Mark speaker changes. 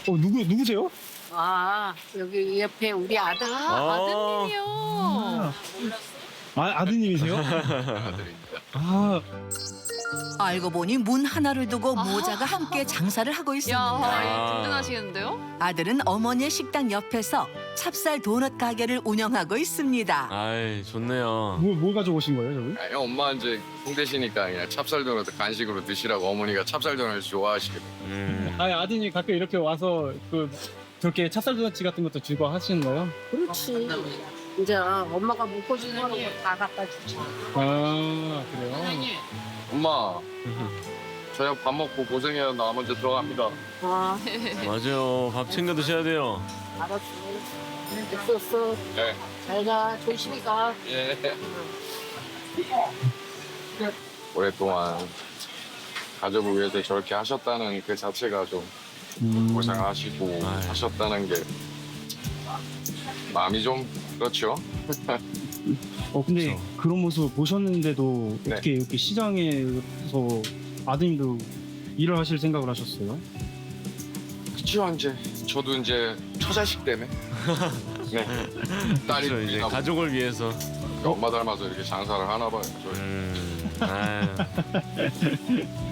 Speaker 1: 누구세요?
Speaker 2: 아, 여기 옆에 우리 아들.
Speaker 3: 아드님이요.
Speaker 1: 아드님이세요?
Speaker 4: 아들입니다.
Speaker 1: 아,
Speaker 5: 알고 보니 문 하나를 두고 모자가 함께 장사를 하고
Speaker 3: 야,
Speaker 5: 있었는데
Speaker 3: 든든하시겠는데요?
Speaker 5: 아들은 어머니의 식당 옆에서 찹쌀 도넛 가게를 운영하고 있습니다.
Speaker 6: 아이, 좋네요.
Speaker 1: 뭘 가져오신 거예요, 저기?
Speaker 4: 아니, 엄마 이제 홍대시니까 그냥 찹쌀도넛 간식으로 드시라고 어머니가 찹쌀도넛 좋아하시거든요.
Speaker 1: 아드님 가끔 이렇게 와서 저렇게 찹쌀 도넛 같은 것도 주고 하시는 거예요?
Speaker 2: 그렇지. 이제 엄마가 먹고 싶은 거 다 갖다 주지.
Speaker 1: 아, 그래요?
Speaker 4: 엄마, 저녁 밥 먹고 고생해요. 나 먼저 들어갑니다.
Speaker 2: 아,
Speaker 6: 맞아요. 밥 챙겨 드셔야 돼요.
Speaker 2: 알았어. 됐었어.
Speaker 4: 네.
Speaker 2: 잘 가. 조심히 가.
Speaker 4: 예. 오랫동안 가족을 위해서 저렇게 하셨다는 그 자체가 좀 고생하시고
Speaker 6: 아유.
Speaker 4: 하셨다는 게 마음이 좀 그렇죠.
Speaker 1: 근데
Speaker 6: 그쵸.
Speaker 1: 그런 모습 보셨는데도
Speaker 4: 네.
Speaker 1: 어떻게 이렇게 시장에서 아드님도 일을 하실 생각을 하셨어요?
Speaker 4: 그쵸 이제 저도 이제 처자식 때문에 네. 딸이
Speaker 6: 그렇죠, 이제
Speaker 4: 둘이나
Speaker 6: 가족을 위해서.
Speaker 4: 엄마 닮아서 이렇게 장사를 하나 봐요. 저희.
Speaker 6: 아유.